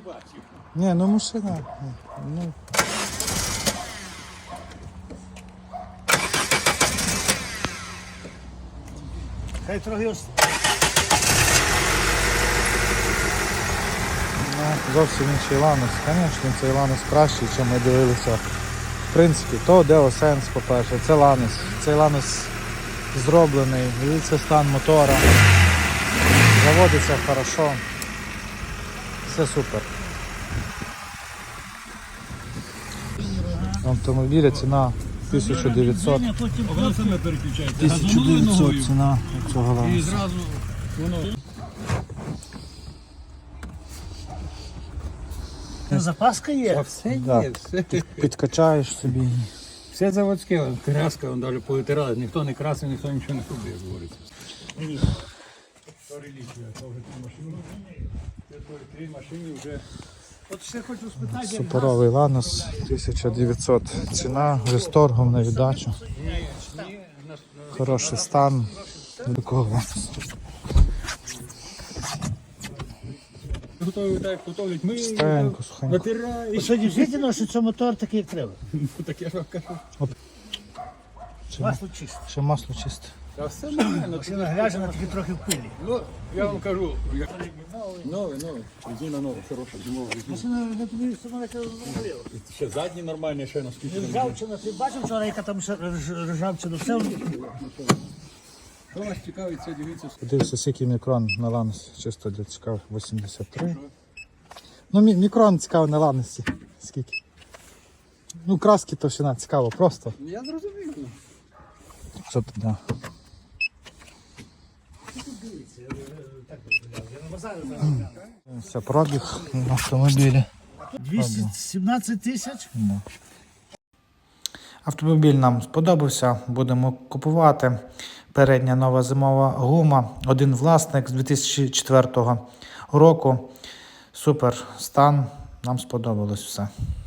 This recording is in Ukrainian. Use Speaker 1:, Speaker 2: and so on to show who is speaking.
Speaker 1: бачив.
Speaker 2: Ні, ну машина. Ну.
Speaker 3: Хай трохи
Speaker 2: Ну, зовсім інший Ланос. Звісно, цей Ланос кращий, ніж ми дивилися. В принципі, то Деосенс, по-перше, це Ланос. Цей Ланос зроблений, дивіться стан мотора. Заводиться хорошо. Все супер. Автомобіля ціна 1900.
Speaker 1: Воно саме переключається.
Speaker 2: 1900 ціна цього
Speaker 1: І
Speaker 2: Ланоса.
Speaker 1: зразу воно...
Speaker 3: запаска є.
Speaker 1: Все
Speaker 2: Да.
Speaker 1: є, все.
Speaker 2: Підкачаєш собі.
Speaker 1: Все заводське, краска, вон навіть повитирали. Ніхто не красив, ніхто нічого не робив, як говориться.
Speaker 3: Ні.
Speaker 1: То реліквія, то вже три машини. Це три машини вже...
Speaker 3: От ще хочу спитати, як
Speaker 2: Суперовий Ланос 1900 ціна, вже з торгом на віддачу. Хороший стан. Такого Ланосу.
Speaker 1: Готові так, готовлять ми,
Speaker 2: Стенько, сухенько.
Speaker 1: натирають.
Speaker 3: Що дійсно, що це мотор такий, як треба.
Speaker 1: Так я ж вам кажу.
Speaker 3: Масло чисте.
Speaker 2: Ще масло чисте.
Speaker 1: Та все нормально.
Speaker 3: Машина грязна, тільки трохи в пилі.
Speaker 1: Ну, я вам кажу, новий, резина нова, хороша, зимова резина.
Speaker 3: Машина не тобі сама яка зробила.
Speaker 1: Ще задні нормальні, ще наскільки.
Speaker 3: Ржавчина, ти бачив вчора, яка там ще ржавчина? Все
Speaker 1: Що вас цікавить, це дивіться.
Speaker 2: Подивився, скільки мікрон на Ланосі, чисто для цікавих, 83. Ну, мікрон цікаво на Ланосі. Скільки? Ну, краски товщина цікаво, просто.
Speaker 1: Я зрозумів.
Speaker 2: Що тут, да. Все, пробіг на автомобілі.
Speaker 3: 217 тисяч?
Speaker 2: Автомобіль нам сподобався, будемо купувати. Передня нова зимова гума, один власник з 2004 року. Супер стан, нам сподобалось все.